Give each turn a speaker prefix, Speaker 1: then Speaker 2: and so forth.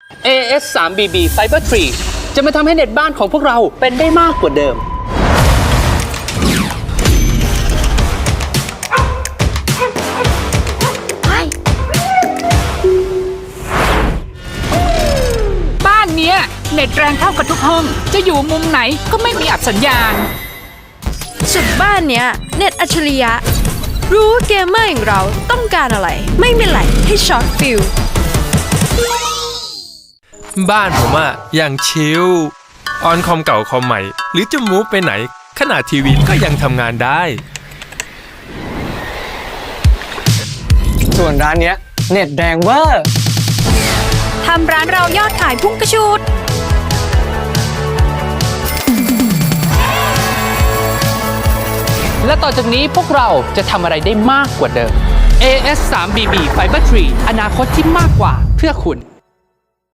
Speaker 1: AS 3BB Fiber 3จะมาทำให้เน็ตบ้านของพวกเราเป็นได้มากกว่าเดิม
Speaker 2: บ้านเนี้ยเน็ตแรงเท่ากับทุกห้องจะอยู่มุมไหนก็ไม่มีอับสัญญาณ
Speaker 3: สุดบ้านเนี้ยเน็ตอัจฉริยะรู้ว่าเกมเมอร์อย่างเราต้องการอะไรไม่มีไหลให้ช็อตฟิล
Speaker 4: บ้านผมอะอย่างชิลออนคอมเก่าคอมใหม่หรือจะมูฟไปไหนขนาดทีวีก็ยังทำงานได้
Speaker 5: ส่วนร้านเนี้ยเน็ตแรงเวอร์
Speaker 3: ทำร้านเรายอดขายพุ่งกระชูด
Speaker 1: และต่อจากนี้พวกเราจะทำอะไรได้มากกว่าเดิม AS 3BB Fiber 3อนาคตที่มากกว่าเพื่อคุณ